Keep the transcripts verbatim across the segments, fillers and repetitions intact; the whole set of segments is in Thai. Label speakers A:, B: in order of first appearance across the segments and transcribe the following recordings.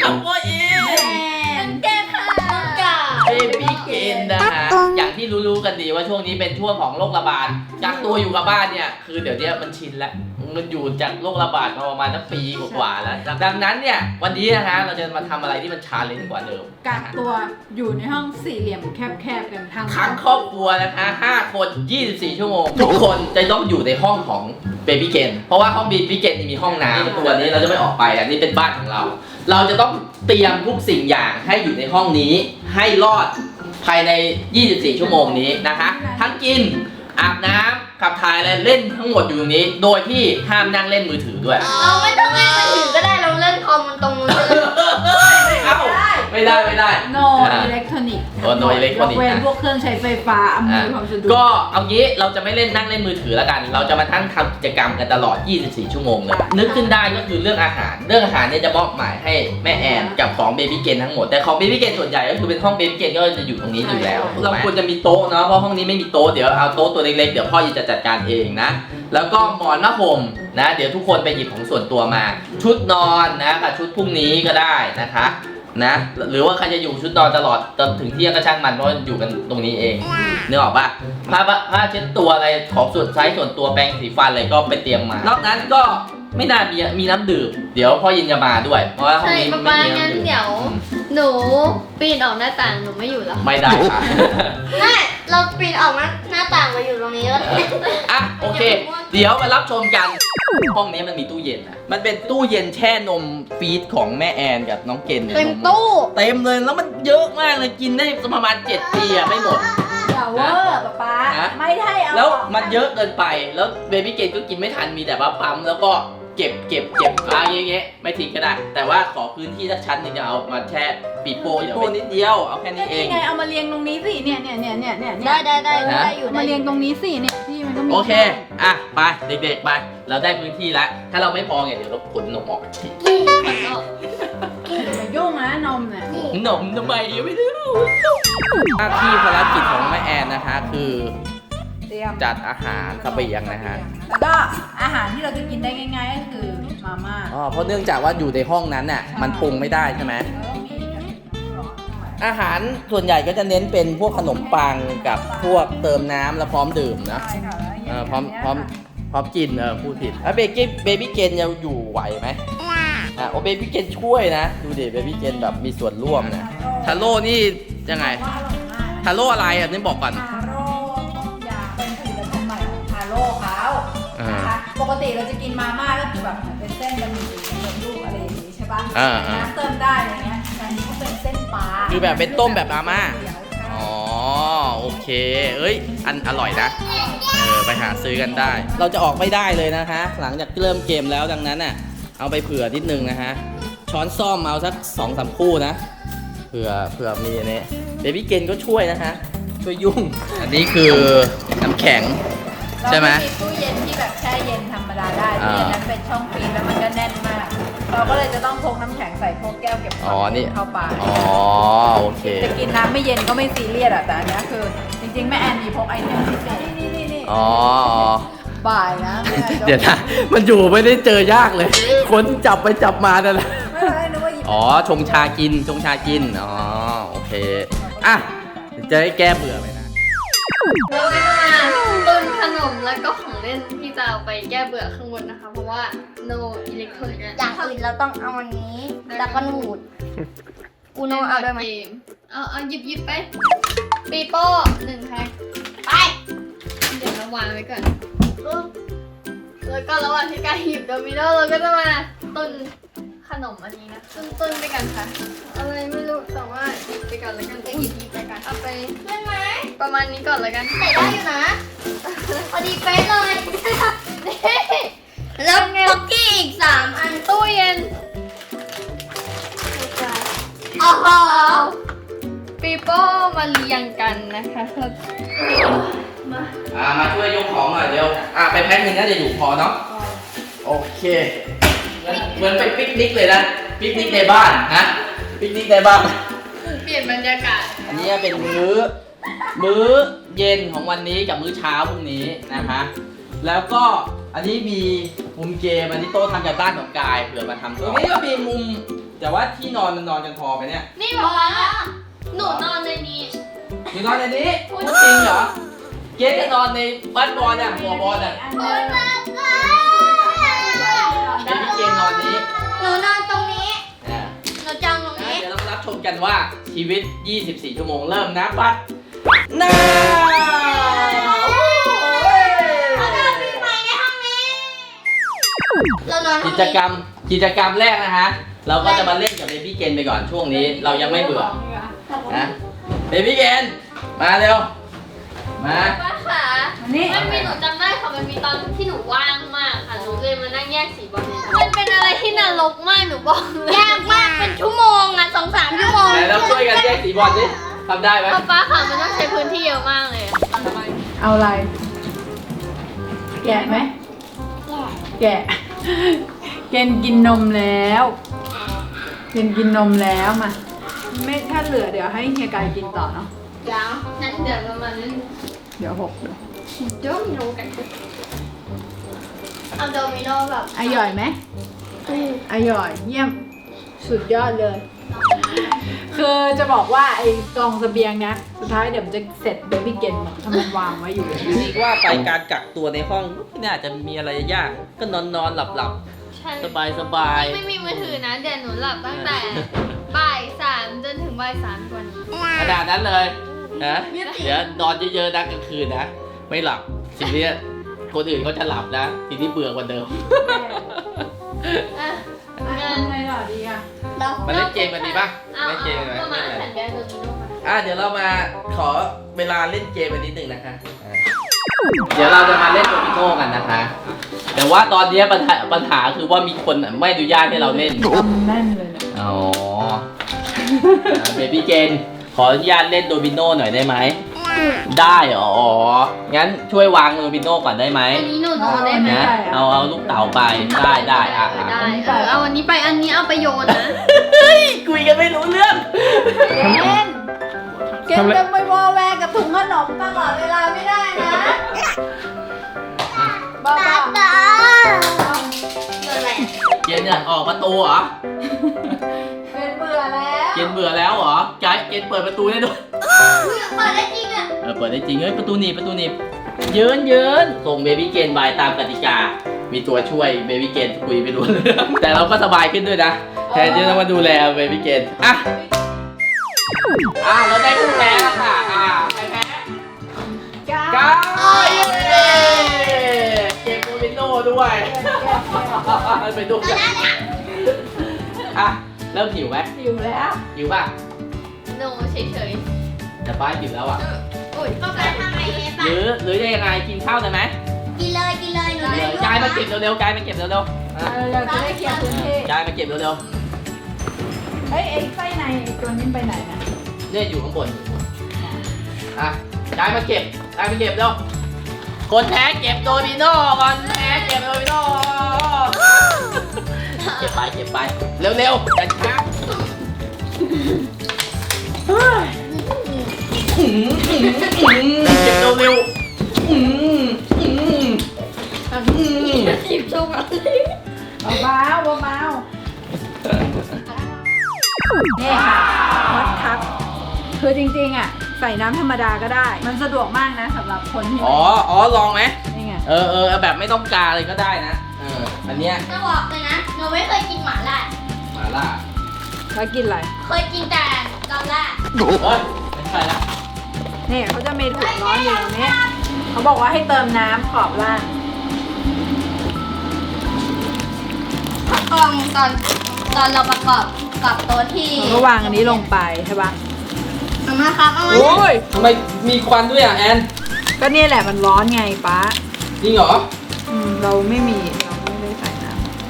A: กับพ่ออิน
B: น้องแก้ค่ะน้องกา
A: เบบี้เกนนะฮะอย่างที่รู้ๆกันดีว่าช่วงนี้เป็นช่วงของโรคระบาดกักตัวอยู่กับบ้านเนี่ยคือเดี๋ยวนี้มันชินแล้วมันอยู่จากโรคระบาดมาประมาณสักปีกว่าๆแล้วดังนั้นเนี่ยวันนี้นะฮะเราจะมาทำอะไรที่มันชาเลนจ์กว่าเดิม
C: กักตัวอยู่ในห้องสี่เหลี่ยมแคบๆกันทั้ง
A: ทั้งครอบครัวนะคะห้าคนยี่สิบสี่ชั่วโมงทุกคนจะต้องอยู่ในห้องของเบบี้เกนเพราะว่าห้องเบบี้เกนมีห้องน้ำตัวนี้เราจะไม่ออกไปอันนี้เป็นบ้านของเรา เราจะต้องเตรียมทุกสิ่งอย่างให้อยู่ในห้องนี้ให้รอดภายในยี่สิบสี่ชั่วโมงนี้นะคะทั้งกินอาบน้ำขับถ่ายอะไรเล่นทั้งหมดอยู่ตรงนี้ โดยที่ห้ามนั่งเล่นมือถือด้วย
B: เราไม่ต้องเล่นมือถือก็ได้เราเล่นคอมมันตรงนู้นเลย
A: ไม่เอาไม่ได้ไม่ได้
C: โนอิเล็กทรอนิกส์
A: โอ้ no electronic
C: ยกเว้นพวกเครื่องใช้ไฟฟ้าอำนวยความสะดวก
A: ก็เอางี้เราจะไม่เล่นนั่งเล่นมือถือแล้วกัน เราจะมาทั้งทำกิจกรรมกันตลอดยี่สิบสี่ชั่วโมงเลยนึกขึ้นได้ก็คือเรื่องอาหารเรื่องอาหารเนี่ยจะมอบหมายให้แม่แอนกับของเบบี้เกนทั้งหมดแต่ของเบบี้เกนส่วนใหญ่ก็คือเป็นห้องเบบี้เกนก็จะอยู่ตรงนี้อยู่แล้วเราควรจะมีโต๊ะเนาะเพราะห้องนี้ไม่มีโต๊ะเดี๋ยวเอาโต๊ะตัวเล็กๆเดี๋ยวพ่อจะจัดการเองนะแล้วก็หมอนผ้าห่มนะเดี๋ยวทุกคนไปหยิบของส่วนตัวมา ชุดนอนนะกับชุดพรุ่งนี้ก็ได้นะคะนะหรือว่าใครจะอยู่ชุดนอนตลอดจนถึงเที่ยงก็ช่างมันเพราะอยู่กันตรงนี้เองนึกออกปะผ้าผ้าเช็ดตัวอะไรของส่วนใช้ส่วนตัวแปรงสีฟันอะไรก็ไปเตรียมมานอกนั้นก็ไม่น่ามีมีน้ำดื่มเดี๋ยวพ่อยินจะมาด้วยเพราะว่าห้อง
B: ใช่
A: นี้
B: ป๊า
A: ไม่
B: ป๊า
A: มี
B: งั้น
A: น้ำดื่ม
B: เดี๋ยวหนูปีนออกหน้าต่างหนูไม่อยู่แล้ว
A: ไม่ได้ค่ะ
B: ไม่เราปีนออกหน้าต่างมาอยู่ตรงนี้แล้ว
A: อ่ะโอเค เดี๋ยวมารับชมกันห้องนี้มันมีตู้เย็นนะมันเป็นตู้เย็นแช่นมฟีดของแม่แอนกับน้องเกนเนี่ย
B: เต็ม
A: นม
B: ตู้
A: เต็มเลยแล้วมันเยอะมากเลยกินได้ประมาณเจ็ดปีอะไม่หมด
C: อย่าเวอร์ป๊าป๊า
A: ฮะ
C: ไม่ได้เอา
A: แล้วมันเยอะเกินไปแล้วเบบี้เกนก็กินไม่ทันมีแต่ว่าปั๊มแล้วก็เก็บเก็บเก็บอะไรอย่างเงี้ยไม่ทิ้งก็ได้ แต่ว่าขอพื้นที่สักชั้นหนึงจะเอามาแช่ปีโป้ปีโป้นิดเดียวเอาแค่นี้เอง
C: นี่ไงเอามาเรียงตรงนี้สิเนี่ยเนี่ยเนี่ยเนี่ยเนี่ย
B: ได้ได้ได้
A: นะ
B: ได้อยู่
C: เอา
B: ได้
C: มา
B: อ
C: เรียง
B: ยู่
C: ตรงนี้สิเนี่ยที่มันก็มี
A: โอเคอ่ะไปเด็กๆไปเราได้พื้นที่แล้วถ้าเราไม่พอเนี่ยเดี๋ยวเราขนนมออก
C: อย่ามายุ่งนะนมเนี่ย
A: นมทำไมไม่รู้หน้าที่ภารกิจของแม่แอนนะคะคือ
C: เตรียม
A: จัดอาหารเสบียงนะฮะ
C: แล้วก็อาหารที่เราจะกินได้ง่ายๆก็คือมาม่า
A: อ๋อเพราะเนื่องจากว่าอยู่ในห้องนั้นน่ะมันปรุงไม่ได้ใช่ไหม
C: แล้วก็มีแบบน้ำร้อนด้วย
A: อาหารส่วนใหญ่ก็จะเน้นเป็นพวกขนมปังกับพวกเติมน้ำแล้วพร้อมดื่มนะ
C: ใช่ค่ะแล้ว
A: เอ
C: อย่าง
A: อพร้อม
C: เงี้ย
A: พร้อมพร้อมกินเออพูดผิดแล้วเบบี้เบบี้เกนจะอยู่ไหวไหมอ่ะโอเบบี้เกนช่วยนะดูดิเบบี้เกนแบบมีส่วนร่วมนะทาโร่นี่ยังไง
C: ว่าอร่อยมาก
A: ทาโร่อะไรอ่ะนี่บอกก่อน
C: ทาโร่ต้มยำเป็นผลิตภัณฑ์ใหม่ของทาโร่เขา
A: อ่าน
C: นะคะปกติเราจะกินมาม่าก็คือแบบเหมือนเป็นเส้นบะหมี่สำเร็จรูปอะไรอย่างนี้ใช่ปะ
A: อ่าอ่า
C: น้ำเติมได้อะไรเงี้ยแต่อันนี้เขาเป็นเส้นปลา
A: คือแบบเป็นต้มแบบมาม่า
C: เดี๋ยวใช่
A: อ๋อโอเคเอ้ยอันอร่อยนะเออไปหาซื้อกันได้ เราจะออกไม่ได้เลยนะคะ หลังจากเริ่มเกมแล้วดังนั้นน่ะเอาไปเผื่อนิดนึงนะฮะช้อนซ่อมเอาสักสองสามคู่นะเผื่อเผื่อมีอันนี้เบบี้เกนก็ช่วยนะฮะช่วยยุ่ง อันนี้คือน้ำแข็ง ใช่ไหม
C: เรามีตู้เย็นที่แบบแช่เย็นธรรมดาได้
A: อ่า
C: ตู้เย็นนั้นเป็นช่องฟรีซแล้วมันก็แน่นมาก เราก็เลยจะต้องพกน้ำแข็งใส่พวกแก้วเก็บควา
A: อ๋อ
C: ม
A: นี่
C: เย็นเข้าไป
A: อ๋อโอเค
C: จะกินน้ำไม่เย็นก็ไม่ซีเรียสอะแต่อันเนี้ยคือจริงๆแม่แอนมีพกไอเทมพิเศษนี่นี่นี่
A: อ๋อ
C: บ่ายนะแม่แอน
A: เดี๋ยวนะมันอยู่ไม่ได้เจอยากเลย คนจับไปจับมานั่นแหละ
C: ไม่เป็นไรนึกว่าหยิบ
A: อ๋อ ชงชากิน ชงชากิน อ๋อ โอเค อ่ะ จะได้แก้เบื่อไหมนะ
B: เราจะมาตุนขนมแล้วก็ของเล่นที่จะเอาไปแก้เบื่อข้างบนนะคะ เพราะว่า no electronic
D: อย่างอื่นเราต้องเอาอันนี้ แล้วก็หนูดอูโนเอาด้วยไหม
B: เอาเอาหยิบหยิบไป ปีโป้หนึ่งแพ็ค
D: ไป
B: เดี๋ยวเราวางไว้ก่อนปึ๊บแล้วก็ระหว่างที่การหยิบโดมิโนเราก็จะมาตุนขนมอันนี้นะตุนตุนไปกันค่ะ อะไรไม่รู้แต่ว่าหยิบไปก่อนแล้วกันหยิบหยิบไปกันเอาไป
D: เล่นไหม
B: ประมาณนี้ก่อนแล้วกัน
D: ใส่ได้อยู่นะ พอดีเป๊ะเลย
B: นี่
D: แล้วพ็อกกี้อีกสามอัน
B: ตู้เย็น
D: โอ้โห
B: ปีโป้มาเรียงกันนะคะมา
A: อ่า มาช่วยยกของหน่อยเดี๋ยว อ่าไปแพ็คหนึ่งน่าจะอยู่พอเนาะ โอเค เหมือนเหมือนไปปิกนิกเลยนะ ปิกนิกในบ้านนะ ปิกนิกในบ้าน
B: เปลี่ยนบรรยากาศ
A: อันนี้เป็นมื้อ มื้อเย็นของวันนี้กับมื้อเช้าพรุ่งนี้นะคะ แล้วก็อันนี้มีมุมเกม อันนี้โต๊ะทำจากบ้านของกายเผื่อมาทำตรงนี้ก็มีมุมแต่ว่าที่นอนมันนอนกันพอไหมเนี่ย
B: นี่บอกว่าหนูนอนในนี้
A: อยู่นอนในนี้พูดจริงเหรอเกสจะนอนในบ้านบอลอ่ะหัวบอลอ่ะเบบี้เกนนอนนี้
D: หนูนอนตรงนี้
A: อ่า
D: หนูจองตรงนี้
A: เดี๋ยวเรามารับชมกันว่าชีวิต ยี่สิบสี่ ชั่วโมงเริ่มนับบัดน้า
D: เรานอนปีใหม่ในห้องนี้ เรานอนห้
A: กิ
D: อง
A: จ
D: นี้
A: กรรมกิจกรรมแรกนะฮะ เราก็จะมาเล่นกับเบบี้เกนไปก่อนช่วงนี้ เรายังไม่เบื่อนะเบบี้เกนมาเร็ว มา
B: ป้าค่ะ
C: อันนี้
B: มันมีหนูจำได้ค่ะมันมีตอนที่หนูว่างมากค่ะหนูเลยมานั่งแยกสีบอลมันเป็นอะไรที่นรกมากหนูบอกเลย
D: ยากมากเป็นชั่วโมงอะสองสามชั่วโมง
A: ไหนเราช่วยกันแยกสีบอลดิทำได้ไหม
B: ป้าป้าค่ะมันต้องใช้พื้นที่เยอะมากเลย
C: เอาอะไร แกะไหม แกะ เกนกินนมแล้ว เกนกินนมแล้วมา ไม่ถ้าเหลือเดี๋ยวให้เฮียกายกินต่อเนาะ
B: แล้วนั่นเดี๋ยวเรามาเล่น
C: เดี๋ยวหกเดี๋ยว
B: โดมิโนกัน
D: เอาโดมิโนแบบ
C: อร่อยไหมอร่อยเยี่ยม สุดยอดเลย คือจะบอกว่าไอ้กองเสบียงนะ สุดท้ายเดี๋ยวมันจะเสร็จเบบี้เกนหมดถ้ามันวางไว้อยู่อย่างนี้
A: นี่ว่าไปการกักตัวในห้องไม่น่าจะมีอะไรยาก ก็นอนนอนหลับหลับ
B: ใช่
A: สบายสบาย
B: ไม่มีมือถือนะเดี๋ยวหนูหลับตั้งแต่บ่ายสามจนถึงบ่ายสามกว่านี้
A: ขนาดนั้นเลยนะเดี๋ยวนอนเยอะๆนะกลางคืนนะ ไม่หลับทีนี้คนอื่นเขาจะหลับนะ ทีนี้เบื่อกว่าเดิม
B: อ่ะ
C: อ่ะทำไงต่อดีอ่ะ
D: แล้ว
A: มาเล่นเกมกันดีป่ะ
B: เอา
A: เล่นเกมกันไหม
B: เอามา
A: เล่นอะไร
B: สัญญาณโดมิโนมา
A: อ่ะเดี๋ยวเรามาขอเวลาเล่นเกมกันนิดนึงนะคะอ่ะเดี๋ยวเราจะมาเล่นโดมิโนกันนะคะ แต่ว่าตอนนี้ปัญหาปัญหาคือว่ามีคนไม่อนุญาตให้เราเล่น
C: ทำแน่นเลยเนี่ย
A: อ๋อเบบี้เกนขออนุญาตเล่นโดมิโนหน่อยได้ไหม ได้เหรออ๋องั้นช่วยวางโดมิโนก่อนได้ไหม
B: อันนี้หนูนอนได้ไหม
A: นะเอาเอาลูกเต๋าไปได้ได้อ่ะ
B: เออ
A: อ่ะ
B: ได้เออเอาอันนี้ไปอันนี้เอาไปโยนนะ
A: คุยกันไม่รู้เรื่อง
C: เกนเกนจะไปวอแวร์กับถุงขนมตลอดเวลาไม่ได้นะบ้า
D: ตา
C: บ้า
D: ตาเกิดอะไร
A: เกนเนี่ยออกประตูเหรอ
C: เป็นเบื่อแล้ว
A: เกนเบื่อแล้วเหรอไกด์เกนเปิดประตูได้ด้วย
D: เปิดได้จริงอะ
A: เออเปิดได้จริงเฮ้ยประตูหนีบประตูหนีบเยินเยินส่งเบบี้เกนบายตามกติกา มีตัวช่วยเบบี้เกนคุยไม่รู้เรื่อง แต่เราก็สบายขึ้นด้วยนะแทนที่จะต้องมาดูแลเบบี้เกนอ่ะอ่ะเราได้ผู้แพ้แล้วค่ะอ่ะใครแพ้
C: จ้า
A: ก้าวเย้เกมโดมิโนด้วยไปดูกันอ่ะเริ่มหิวไหม
C: อยู่แล้ว
A: หิวป่ะ
B: หนูเฉย
A: แต่ป้าหิวแล้วอ่ะ
B: ๆอุ้ย
D: ก็ไปทางไหนเอ
A: ห
D: ปะ
A: รือหรือจะยังไงกินข้าวได้ไหม
D: กินเลยกินเลยหนู
A: เดี๋ยวกายมาเก็บเร็วๆกายมาเก็บเร็วๆอ่ะ
C: เราจะได้เคลียร์พื้นที่
A: กายมาเก็บเร็ว
C: เอ้ยไอ้ไส้ในไอ้ตัวนี้ไปไหนนะ
A: ๆเนี่ยอยู่ข้างบนอ่ะกายมาเก็บกายมาเก็บเร็วคนแพ้เก็บโดมิโนก่อนแพ้เก็บโดมิโนเก็บไปเก็บไปเร็วๆกันช้าอื้อหืออื้อหือเก็บเร็วๆอื้อหืออื้อหือ
B: หยิบโชว์มา
C: เบาๆเบาๆนี่ค่ะฮอตคัพคือจริงๆอ่ะใส่น้ำธรรมดาก็ได้ มันสะดวกมากนะสำหรับคนที่
A: อ๋ออ๋อลองไหม
C: นี่ไง
A: เออเออแบบไม่ต้องกาเลยก็ได้นะ เออ อันเนี้ย
D: จะบอกเลยนะหนูไม่เคยกินหม่าล่า
A: มาล่า
C: แล้วกินอะไร
D: เคยกินแต่ดอลล่า
A: เฮ้ยไม่ใช่ละ
C: นี่เขาจะมีถุงร้อนอยู่ตรงนี้เขาบอกว่าให้เติมน้ำขอบล่าง
D: กล่องตอนตอนเราประกอบกับโต๊ะที่
C: เราก็วางอันนี้ลงไปใช่ปะ
D: เอามาครับเอามา
A: โอ้ยทำไมมีควันด้วยอ่ะแอน
C: ก็นี่แหละมันร้อนไงป้า
A: จริงเหรอ
C: อืมเราไม่มีเราไม่ได้ใส่น้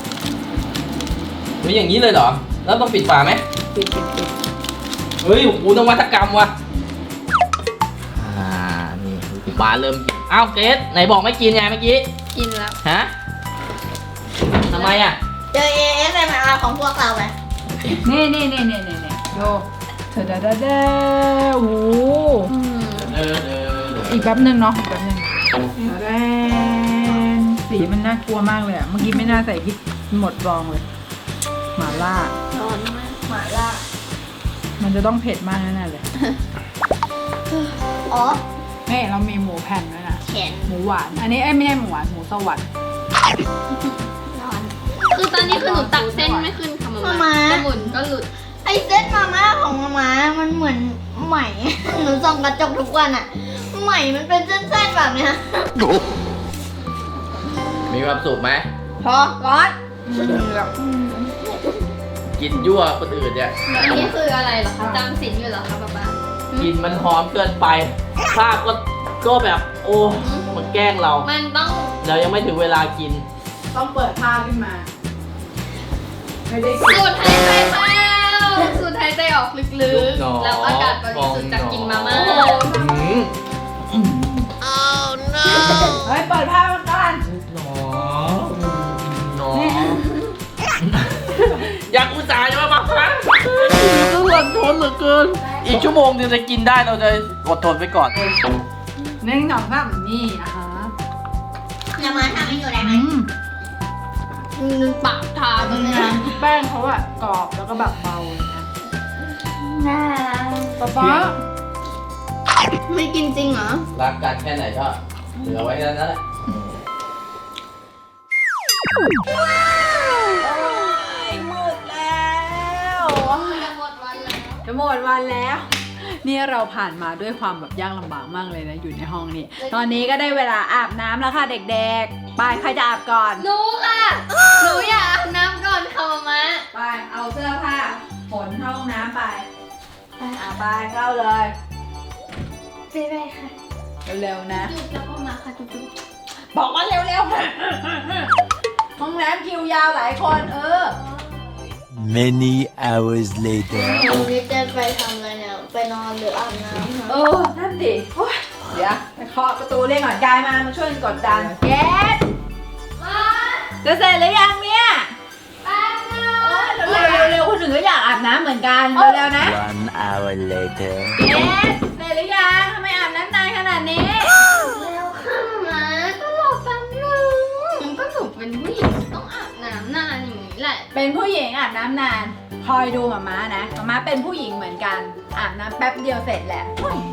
A: มีอย่างนี้เลยเหรอ แล้วต้องปิดฝาไหม
C: ำปิดปิดปิด
A: เฮ้ยโอ้โหนวัตกรรมว่ะ อ่า นี่ปลาเริ่มหิวอ้าวเกรซไหนบอกไม่กินไงเมื่อกี้
B: กินแล้ว
A: ฮะทำไมอ่ะ
D: เจอ เอ เอส เอ็ม อาร์ ของพวกเราไหม
C: นี่นี่นี่นี่นี่นี่โยเธอดาดาดาโอ้โห
B: อืม
A: เออเออเออ
C: อีกแป๊บหนึ่งเนาะอีกแป๊บหนึ่งแรนสีมันน่ากลัวมากเลยอะเมื่อกี้ไม่น่าใส่พริกหมดรองเลยหมาล่า
B: ร้อนมาก
C: จะต้องเผ็ดมากแน่ๆเลย
D: อ๋อ
C: นี่เรามีหมูแผ่นด้วยนะ
D: แขน
C: หมูหวาน อันนี้เอ้ยไม่ใช่หมูหวาน หมูสวรรค์
D: นอน
B: คือตอนนี้คือหนูตักเส้นไม่ขึ้นค่ะมา
D: มา
B: มา
D: มา
B: จะหมุนก็หลุด
D: ไอเส้นมาม่าของมาม่ามันเหมือนไหม หนูส่องกระจกทุกวันอะไหมมันเป็นเส้นๆแบบเนี้ย
A: มีความสุขไหม
D: พอร้อน
A: กินยั่วคนอื่นเนี่ย
B: อันนี้คืออะไรเหรอคะจำศีลอยู่เหรอคะป๊าป๊า
A: กินมันหอมเกินไปภาพก็ก็แบบโอ้มันแกล้งเรา
B: มันต้อง
A: เรายังไม่ถึงเวลากิน
C: ต้องเปิดผ้าขึ้นมา ไม่ได้
B: สูดหายใจเข้าสูดหายใจออกลึ
A: ยุ
B: ก
A: บหนอ
B: ๆแล้วอากาศบริสุทธิ์จากกินมาม่า
A: หืม
C: เฮ้ย เปิดผ้ามาก่อน
A: หนอหนออยากอุตส่าห์จะมาบังคับก็หลังทนเหลือเกิน อีกชั่วโมงนึงจะกินได้เราจะอดทนไปก่อน
C: หนึ่งสองสามนี่อ่ะฮะ
D: มาม่าทำให้หนูได้ไหม
C: อืม
B: นึงปากทาตรงเนี้ย
C: แป้งเขาอะกรอบแล้วก็แบบเบาเลยนะ
D: น่า
C: ป๊าป๊า
B: ไม่กินจริงเหรอ
A: รักกันแค่ไหนก็เหลือไว้นั่นแหละ
C: มืดแล้ว
B: จะหมดวันแล้ว
C: จะหมดวันแล้ว นี่เราผ่านมาด้วยความแบบยากลำบากมากเลยนะอยู่ในห้องนี้ ตอนนี้ก็ได้เวลาอาบน้ำแล้วค่ะเด็กๆ ไปใครจะอาบก่อน
B: หนูค่ะ หนูอยากอาบน้ำก่อนค่ะมาม่า
C: ไป เอาเสื้อผ้าขนเข้าห้องน้ำไปอาไปเข้าเลย
D: ไปไปค่ะ
C: เร็วๆนะ
B: จุ๊บแล้วก็มาค่ะจุ๊บ
C: บอกว่าเร็วๆ ห้องน้ำคิวยาวหลายคน เออ
E: Many hours later.
D: วันนี้จะไปทำอะไรเนี่ย ไปนอนหรืออาบน้ำ
C: เออ นั่นดิโอ๊ยเดี๋ยวไปเคาะประตูเรียกก่อนกายมา มาช่วยกันกดดันเกดจะเสร็จหรือยังเนี่ย
B: แป๊บนึง
C: โอ๊ยเร็วๆเร็วๆคนอื่นก็อยากอาบน้ำเหมือนกัน เร็วๆนะ
E: One hour later.
C: เกดเสร็จหรือยังทำไมอาบน้ำนานขนาดนี้
B: แล้วค่ะมาก็รอแป๊บนึงก็หนูเป็นผู้หญิงต้องอาบน้ำนานอย่างนี้แหละ
C: เป็นผู้หญิงอาบน้ำนาน คอยดูหมาม้านะหมาม้าเป็นผู้หญิงเหมือนกัน อาบน้ำแป๊บเดียวเสร็จแหละ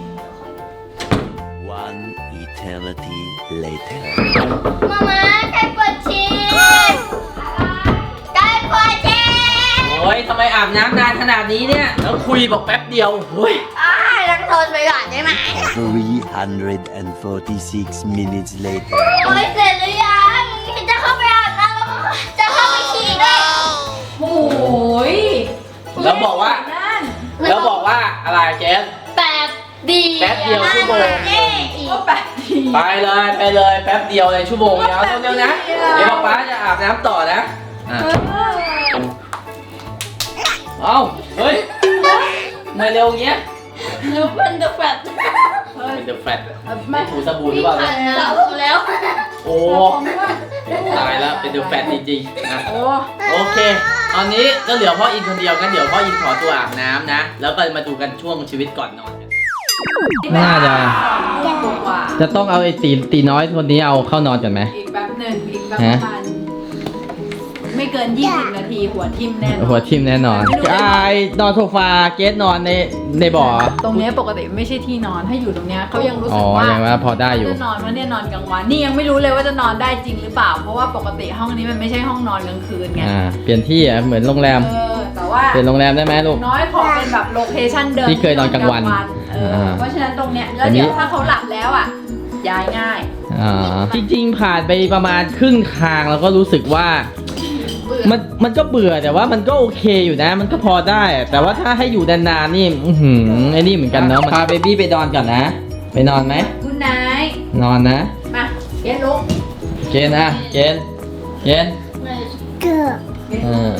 E: One eternity later.
D: มาม่าใกล้เปิดชีสใกล้เปิดชีส
A: โอ้ยทำไมอาบน้ำนานขนาดนี้เนี่ย แล้วคุยบอกแป๊บเดียวเฮ้ย
D: อ้ายรักทนไปก่อนได้ไหม
E: Three hundred and forty-six minutes later.
D: โอ้ยเสร็จหรือยังจะเข้าไปอาบน้ำแล้วก็จะเข้าไปฉี่ด้วย
C: โอ้ย
A: แล้วบอกว่า
C: นั่น
A: แล้วบอกว่าอะไรเจส
B: แป๊บเดียว
A: แป๊บเดียวชั่วโมง
D: นี่อีก
C: ก็แปดที
A: ไปเลยไปเลยแป๊บเดียวเลยชั่วโมงเดียวเร็วๆนะ
C: แป๊บเดี
A: เดี๋
C: ย
A: ยว วป๊าจะอาบน้ำต่อนะอ่ะ
C: เออ
A: เอ้าเฮ้ยทำไมเร็วอย่างเงี้ย
B: หนูเป็นเดอะแฟต
C: เฮ้ย
A: เป็นเดอะแฟต
C: ไม่
A: ถูสบู่หรือเปล่า
B: ผ่า
A: เนี่ย
B: นน้ำแล้ว
A: โอ้ตายแล้วเป็นเดอะแฟตจริงๆนะ
C: โอ้
A: โอเค ตอนนี้ก็เหลือพ่ออินคนเดียวกันเดี๋ยวพ่ออินขอตัวอาบน้ำนะ แล้วก็มาดูกันช่วงชีวิตก่อนนอนกัน น่าจะ
C: กว่า
A: จะต้องเอาไอ้ตีตีน้อยคนนี้เอาเข้านอนก่อนไหม
C: อีกแป๊บหนึ่งอีกประมาณไม่เกินยี่สิบนาทีหัวทิ่มแน่นอน
A: หัวทิ่มแน่นอนไอ้นอนโซฟาเกสนอนในในบ่อ
C: ตรงเนี้ยปกติไม่ใช่ที่นอนถ้าอยู่ตรงเนี้ยเขายังรู้
A: อ๋
C: สึ
A: อก
C: ว่า
A: ยังว่าพอได้อยู่
C: จะนอนว่าเนี่ยนอนกลางวันนี่ยังไม่รู้เลยว่าจะนอนได้จริงหรือเปล่า เพราะว่าปกติห้องนี้มันไม่ใช่ห้องนอนกลางคืนไง
A: อ่า เปลี่ยนที่อ่ะเหมือนโรงแรม
C: เออแต่ว่า
A: เปลี่ยนโรงแรมได้ไหมลูก
C: น้อยขอเป็นแบบโลเคชั่นเดิม
A: ที่เคยนอนกลางวัน
C: เออ
A: อ่า
C: เพราะฉะนั้นตรงเนี้ยแล้ว
A: อันนี้
C: เดี๋ยวถ้าเขาหลับแล้วอ่ะย้ายง่าย
A: อ่า จริงๆ ผ่านไปประมาณครึ่งทางแล้วก็รู้สึกว่า
C: เบื่อ
A: มันมันก็เบื่อแต่ว่ามันก็โอเคอยู่นะ มันก็พอได้อะแต่ว่าถ้าให้อยู่นานๆนี่อือหือไอ้นี่เหมือนกันเนาะพาเบบี้ไปนอนก่อนนะ ไปนอนไหม
C: คุณนาย
A: นอนนะ
C: มาเย็นลุก
A: เกณฑ์นะเกณฑ์เกณฑ์
D: เกือบ
A: เออ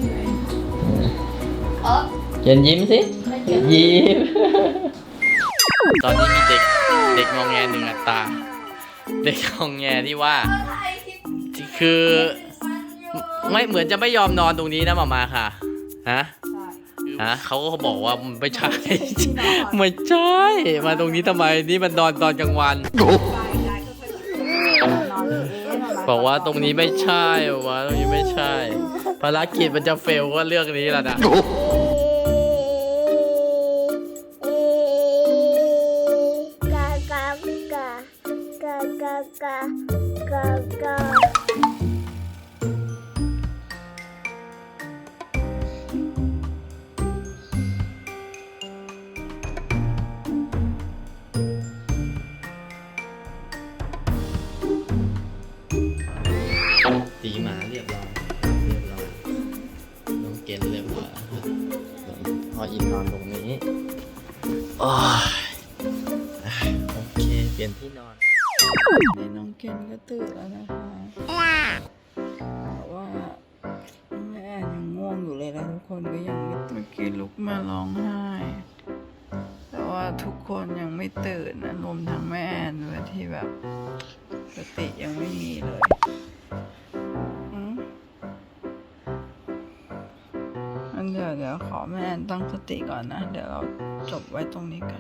B: เออ
A: เกณฑ์ยิ้มสิยิ้ม ตอนนี้มีเด็กเด็กงองแงหนึ่งอัตราเด็กงองแงที่ว่าคือไม่เหมือนจะไม่ยอมนอนตรงนี้นะหมามาค่ะฮะฮะเขาก็บอกว่าไม่ใช่ ไม่ใช่ มาตรงนี้ทำไมนี่มันนอนตอนกลางวัน บอกว่าตรงนี้ไม่ใช่บอกว่าตรงนี้ไม่ใช่ ภารกิจมันจะเฟลก็เรื่องนี้แหละนะ
D: กากากา
A: ตีหมาเรียบร้อยเรียบร้อยน้องเกณฑ์เรียบร้อยครับพออินนอนตรงนี้โอ้ยโอเคเปลี่ยนที่นอน
C: นี่น้องเกนก็ตื่นแล้วนะคะแต่ว่าแม่แอนยังง่วงอยู่เลยนะทุกคนก็ยังไม่เมื่อกี้ลุกมาร้องไห้ แต่ว่าทุกคนยังไม่ตื่นนะรวมทั้งแม่แอนด้วยที่แบบสติยังไม่มีเลยอืมอันเดี๋ยวเดี๋ยวขอแม่แอนตั้งสติก่อนนะ เดี๋ยวเราจบไว้ตรงนี้กัน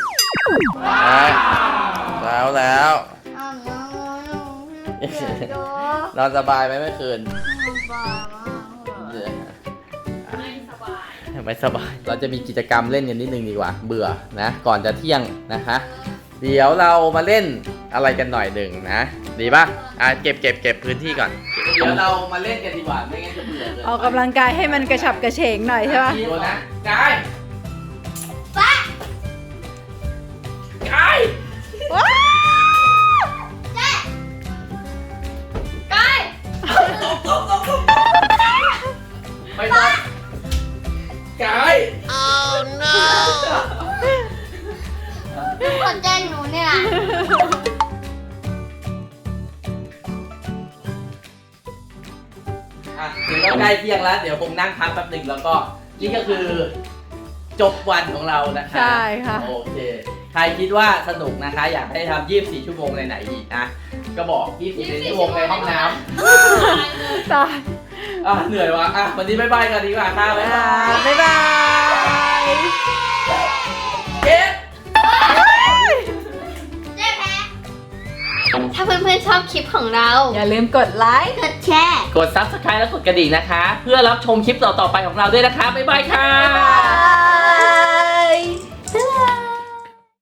A: แล้วแล้ว
D: อ้าวน้องน้องพี่เกียรติโด
A: นอนสบายไหมเมื่อคืน
D: บ้ามากเลย
B: ไม่สบาย
A: ไม่สบาย เราจะมีกิจกรรมเล่นกันนิดนึงดีกว่า เบื่อนะ ก่อนจะเที่ยงนะคะ เดี๋ยวเรามาเล่นอะไรกันหน่อยหนึ่งนะ ดีป่ะ อ่ะเก็บเก็บเก็บพื้นที่ก่อน เดี๋ยวเรามาเล่นกันดีกว่า ไม่งั้นจะเบื่อเกิน
C: ออกกำลังกายให้มันกระฉับกระเฉงหน่อยใช่ปะ
A: ดูนะกายกาย
C: ว้าว
B: ใกล้
A: ไม่ต้องกาย
D: คนแจ้งหนูเนี่ยนะ
A: อ่ะเดี๋ยวก็ใกล้เที่ยงแล้ว เดี๋ยวคงนั่งพักแป๊บหนึ่งแล้วก็นี่ก็คือจบวันของเรานะคะ
C: ใช่ค่ะ
A: โอเค ใครคิดว่าสนุกนะคะ อยากให้ทำยี่สิบสี่ชั่วโมงในไหนอีกนะ ก็บอกยี่สิบสี่ชั่วโมงในห้องน้
C: ตาย
A: ำอ่ะเหนื่อยวะอ่ะวันนี้บ๊ายบายกันดีกว่าค่ะบ๊ายบาย
C: บ๊ายบาย
A: เก็บ
D: เจ๊แพ้
B: ถ้าเพื่อนๆชอบคลิปของเรา
C: อย่าลืมกดไลค์
D: กดแชร์
A: กด ซับสไครบ์ และกดกระดิ่งนะคะ เพื่อรับชมคลิปต่อๆไปของเราด้วยนะคะ บ๊ายบายค่ะ
C: บ๊ายบาย